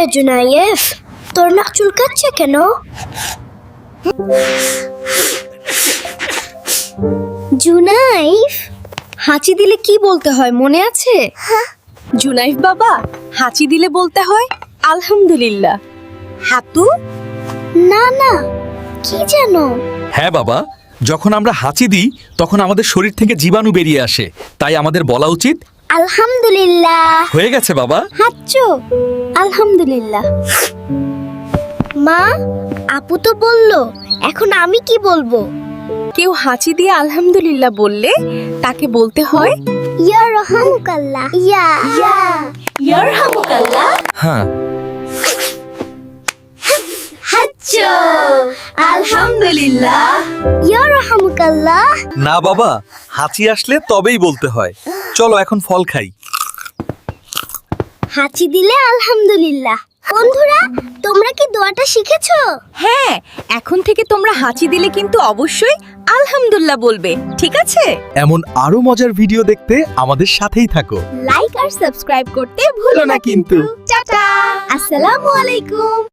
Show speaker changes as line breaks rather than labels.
রে জুনায়েফ, তোর নাক চুলকাচ্ছে কেন? জুনাইফ,
হাঁচি দিলে কি বলতে হয় মনে আছে? জুনাইফ বাবা, হাঁচি দিলে বলতে হয় আলহামদুলিল্লাহ। হাতু?
না না, কি জানো?
হ্যাঁ বাবা, যখন আমরা হাঁচি দিই তখন আমাদের শরীর থেকে জীবাণু বেরিয়ে আসে, তাই আমাদের বলা উচিত
আলহামদুলিল্লাহ।
হয়ে গেছে বাবা।
হাঁচো আলহামদুলিল্লাহ। মা, আপু তো বললো, এখন আমি কি বলবো?
কেউ হাঁচি দিয়ে আলহামদুলিল্লাহ বললে তাকে বলতে হয়
ইয়া রহমুকাল্লাহ। ইয়া ইয়ারহামুকাল্লাহ।
হ্যাঁ,
হাঁচো আলহামদুলিল্লাহ। ইয়া রহমুকাল্লাহ।
না বাবা, হাঁচি আসলে তবেই বলতে হয়। চলো এখন ফল খাই।
হাঁচি দিলে আলহামদুলিল্লাহ। বন্ধুরা, তোমরা কি দোয়াটা শিখেছো?
হ্যাঁ, এখন থেকে তোমরা হাঁচি দিলে কিন্তু অবশ্যই আলহামদুলিল্লাহ বলবে, ঠিক আছে?
এমন আরো মজার ভিডিও দেখতে আমাদের সাথেই থাকো।
লাইক আর সাবস্ক্রাইব করতে ভুলো না কিন্তু। টাটা, আসসালামু আলাইকুম।